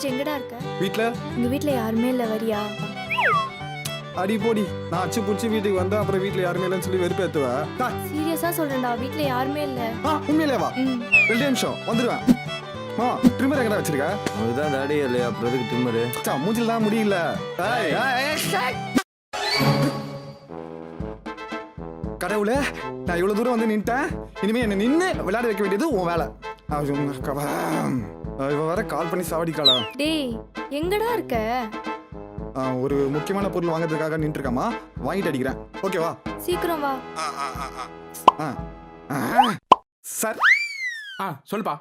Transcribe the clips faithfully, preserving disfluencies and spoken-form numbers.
ராஜ் எங்கடா இருக்க? வீட்ல உங்க வீட்ல யாருமே இல்ல, வரியா? அடி போடி. நான் அச்சு புடிச்சு வீட்டுக்கு வந்தா அப்புறம் வீட்ல யாருமே இல்லைன்னு சொல்லி வெறுப்பேத்துவா. சீரியஸா சொல்றேன்டா, வீட்ல யாருமே இல்ல. உண்மையிலே வா. ம். ரெண்டு நிமிஷம் வந்துருவேன். மா ட்ரிம்மர் எங்கடா வச்சிருக்க? அதுதான் தாடி இல்லையா, அப்புறம் எதுக்கு ட்ரிம்மரு? சா மூஞ்சில தான் முடியல. ஏய், ஏய், ஏய். கடவுளே, நான் இவ்வளவு தூரம் வந்து நின்ட்டேன். இனிமே என்ன நின்னு விளையாட வைக்க வேண்டியது உன் வேலை. இவ வர கால் பண்ணி சாவடிக்காளா? டேய் எங்கடா இருக்க? ஒரு முக்கியமான பொருள் வாங்குறதுக்காக நின்று இருக்காமா, வாங்கிட்டு அடிக்கிறேன். ஓகேவா? சீக்கிரம் வா. சார் ஆ சொல்லுப்பா.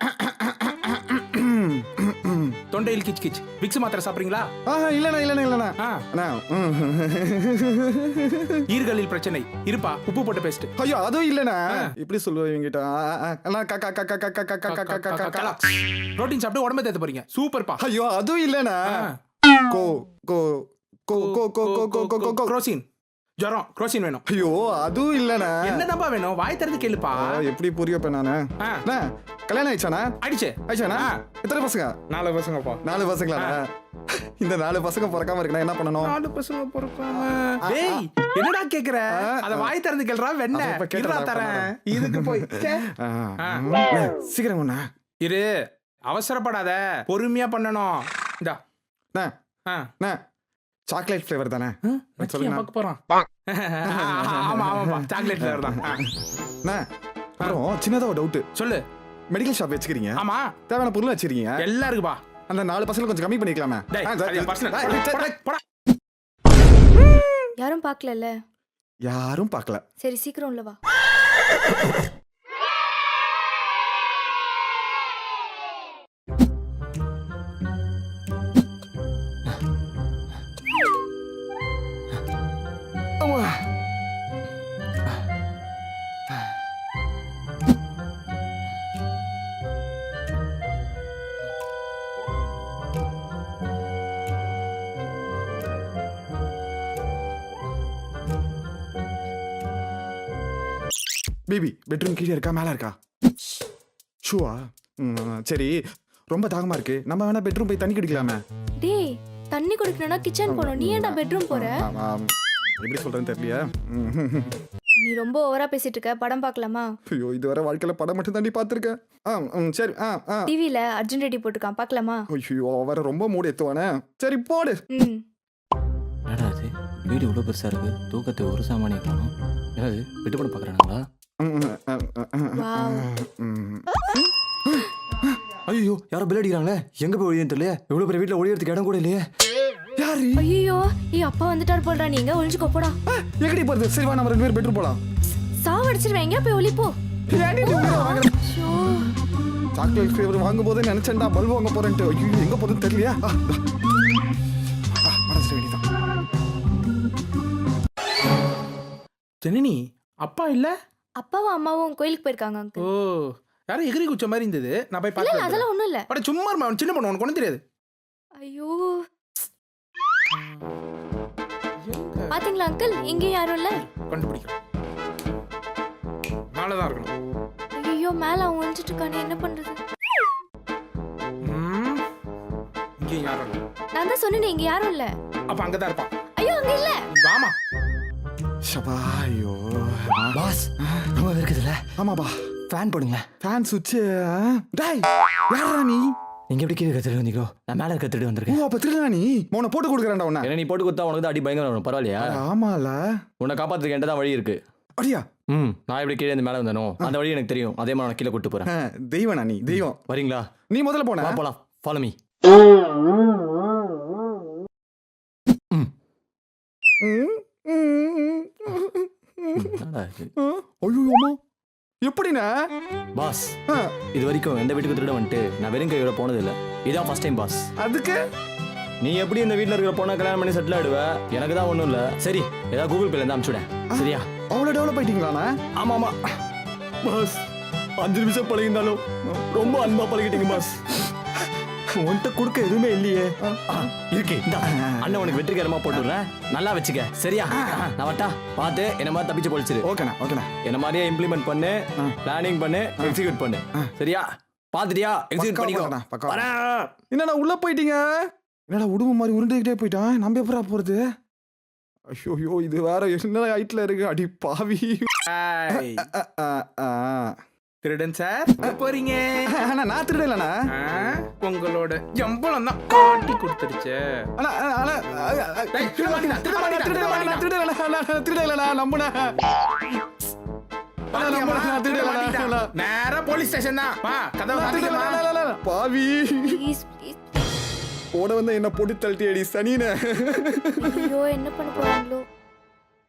தொண்டையில் கிச் கிச். விக்ஸ் மாத்திரை சாப்பிடுறீங்களா? இல்லண்ணா இல்லண்ணா இல்லண்ணா. அண்ணா ஈர்களில் பிரச்சனை இருப்பா, உப்பு போட்டு பேஸ்ட். ஐயோ அதுவும் இல்லண்ணா. இப்படி சொல்லுவீங்க. புரோட்டீன் சாப்பிட்டு உடம்பு தேத்த போறீங்க. சூப்பர்ப்பா. ஐயோ அதுவும் இல்லண்ணா. கோ கோ கோ கோ கோ கோ கோ கோ குரோசின். ஜரம் குரோசின் வேணும். ஐயோ அதுவும் இல்லண்ணா. என்னதான்பா வேணும்? வாய் திறந்து கேளுப்பா. எப்படி புரியப்ப நானு? கல்யாணம் ஆயிடுச்சாண்ணா? ஆயிடுச்சு. ஆயிடுச்சாண்ணா? எத்தனை பசங்க? நாலு பசங்கப்பா. நாலு பசங்களா? இந்த நாலு பசங்க பிறக்காம இருக்கா என்ன பண்ணணும்? நாலு பசங்க பிறக்காம. டேய் என்னடா கேக்குற? அத வாய் திறந்து கேளுடா. வெண்ண இருடா தரேன். இதுக்கு போய் சீக்கிரம் ஒண்ணா இரு. அவசரப்படாத, பொறுமையா பண்ணணும். இந்தா சாக்லேட் ஃபிளேவர் தானே? பார்க்க போறான். ஆமா ஆமாப்பா, சாக்லேட் ஃபிளேவர் தான். அப்புறம் சின்னதா ஒரு டவுட். சொல்லு. மெடிக்கல் ஷாப் வச்சுக்கிறீங்க? ஆமா. தேவையான பொருள் வச்சிருக்கீங்க? எல்லாம் இருக்குப்பா. அந்த நாலு பசங்க கொஞ்சம் கம்மி பண்ணிக்கலாமே? யாரும் பார்க்கலல்ல? யாரும் பார்க்கல. சரி சீக்கிரம் உள்ள வா. பேபி பெட்ரூம் கீழே இருக்கா மேல இருக்கா? ஷூவா? சரி, ரொம்ப தாகமா இருக்கு. நம்ம வேணா பெட்ரூம் போய் தண்ணி குடிக்கலாமே? டேய் தண்ணி குடிக்கணும்னா கிச்சன் போணும். நீ ஏன்டா பெட்ரூம் போற? எப்படி சொல்றேன்னு தெரியலையா? நீ ரொம்ப ஓவரா பேசிட்டு இருக்க. படம் பார்க்கலாமா? ஐயோ இதுவரை வாழ்க்கையில படம் மட்டும் தாண்டி பாத்துருக்கேன். சரி. டிவில அர்ஜுன் ரெட்டி போட்டுருக்கான், பார்க்கலாமா? ஐயோ வர ரொம்ப மூடு எத்துவானே. சரி போடு. ம். என்னடா இது, வீடு இவ்வளோ பெருசா இருக்கு, தூக்கத்தை ஒரு சாமானியை காணும். என்னது விட்டு போட பாக்குறாங்களா? ஐயோ யாரோ பில் அடிக்கிறாங்களே, எங்க போய் ஒழியன்னு தெரியல. இவ்வளவு பெரிய வீட்டுல ஒழியறதுக்கு இடம் கூட இல்லையே. யாரு? ஐயோ ஏய் அப்பா வந்துட்டார் போடுறா. நீங்க ஒளிஞ்சுக்கோ போடா. எங்கடி போறது? சரி வா நம்ம ரெண்டு பேரும் பெட்ரூம் போலாம். சாவடிச்சிருவேன். எங்க போய் ஒளி போ. சாக்லேட் ஃபிளேவர் வாங்கும் போதே நினைச்சேன்டா பல்பு வாங்க போறேன்ட்டு. ஐயோ எங்க போறதுன்னு தெரியலையா? மனசு வேண்டிதான். ஜனனி அப்பா இல்ல? அப்பாவும் அம்மாவும் கோயிலுக்கு போயிருக்காங்க அங்கிள். ஓ யாரும் எகிரி குச்ச மாதிரி இருந்தது. நான் போய் இல்ல பார்த்தேன். அதெல்லாம் ஒண்ணும் இல்ல. அட சும்மா இருமா, சின்ன பொண்ணு உனக்கு ஒண்ணும் தெரியாது. ஐயோ பாத்தீங்களா அங்கிள், இங்க யாரும் இல்ல. கண்டுபிடிக்கிறேன். மேல தான் இருக்கணும். ஐயோ மேல அவன் ஒளிஞ்சிட்டு இருக்கானே, என்ன பண்றது? ம் இங்க யாரும் இல்ல. நான் தான் சொன்னேனே இங்க யாரும் இல்ல. அப்ப அங்க தான் இருப்பான். ஐயோ அங்க இல்ல. வாமா. ஷபா ஐயோ பாஸ் ரொம்ப இருக்குதுல்ல? ஆமாப்பா. ஃபேன் போடுங்க. ஃபேன் சுவிட்ச். டேய் யாரா நீ? நீங்க எப்படி கீழே கத்துட்டு வந்தீங்களோ, நான் மேல கத்துட்டு வந்திருக்கேன். ஓ அப்ப திருடா நீ? உன்னை போட்டு கொடுக்குறேன்டா உன்னை. ஏன்னா நீ போட்டு கொடுத்தா உனக்கு தான் அடி பயங்கரம் வரும். பரவாயில்லையா? ஆமால. உன்னை காப்பாத்துறதுக்கு என்கிட்ட தான் வழி இருக்கு. அடியா? ம் நான் எப்படி கீழே இருந்து மேலே வந்தனோ அந்த வழி எனக்கு தெரியும். அதே மாதிரி நான் கீழே கூட்டு போறேன். தெய்வனா நீ? தெய்வம். வரீங்களா? நீ முதல்ல போன. வா போலாம். Follow me. ஐயோமா எப்படிண்ணா? பாஸ் இது வரைக்கும் எந்த வீட்டுக்கு திருட வந்துட்டு நான் வெறும் கையோட போனது இல்லை. இதான் ஃபர்ஸ்ட் டைம் பாஸ். அதுக்கு நீ எப்படி இந்த வீட்டில் இருக்கிற பொண்ணை கல்யாணம் பண்ணி செட்டில் ஆயிடுவ? எனக்கு தான் ஒன்றும் இல்லை. சரி ஏதாவது கூகுள் பேல இருந்து அனுப்பிச்சுடேன். சரியா? அவ்வளோ டெவலப் ஆயிட்டீங்களாண்ணா? ஆமா ஆமா பாஸ். அஞ்சு நிமிஷம் பழகிருந்தாலும் ரொம்ப அன்பா பழகிட்டீங்க பாஸ். உன்கிட்ட கொடுக்க எதுவுமே இல்லையே. இருக்கு அண்ணன் உனக்கு வெற்றிகரமா போட்டுடுறேன். நல்லா வச்சுக்க. சரியா? நான் வட்டா பார்த்து என்ன மாதிரி தப்பிச்சு போலிச்சிரு. ஓகேண்ணா ஓகேண்ணா. என்ன மாதிரியே இம்ப்ளிமெண்ட் பண்ணு, பிளானிங் பண்ணு, எக்ஸிக்யூட் பண்ணு. சரியா? பாத்துட்டியா எக்ஸிட் பக்கா பண்ணிக்கோ பண்ணடா, பக்கா வரேன். என்னடா உள்ள போயிட்டீங்க என்னடா உடும்பு மாதிரி உருண்டுகிட்டே போயிட்டான் நம்ம எப்படா போறது ஐயோ ஐயோ இது வேற என்ன ஹைட்ல இருக்கு அடி பாவி ஏய், அ, அ, அ. திருடன் சார் எங்க போறீங்க அண்ணா நான் திருடலண்ணா ஆ, உங்களோட எம்பளம் தான் காட்டி கொடுத்துருச்சு அண்ணா அண்ணா டேய், திருட மாட்டீங்களா? திருட மாட்டீங்களா? திருட மாட்டீங்களா? திருடலண்ணா திருடலண்ணா நம்புனா மாட்டிக்கிட்டா. நேரா போலீஸ் ஸ்டேஷன் தான் வா கதவை சாத்திக்கமா. பாவி ப்ளீஸ் ப்ளீஸ் ஓட வந்து என்ன போட்டு தள்ளிட்டி அடி சனின ஐயோ என்ன பண்ண போறாங்களோ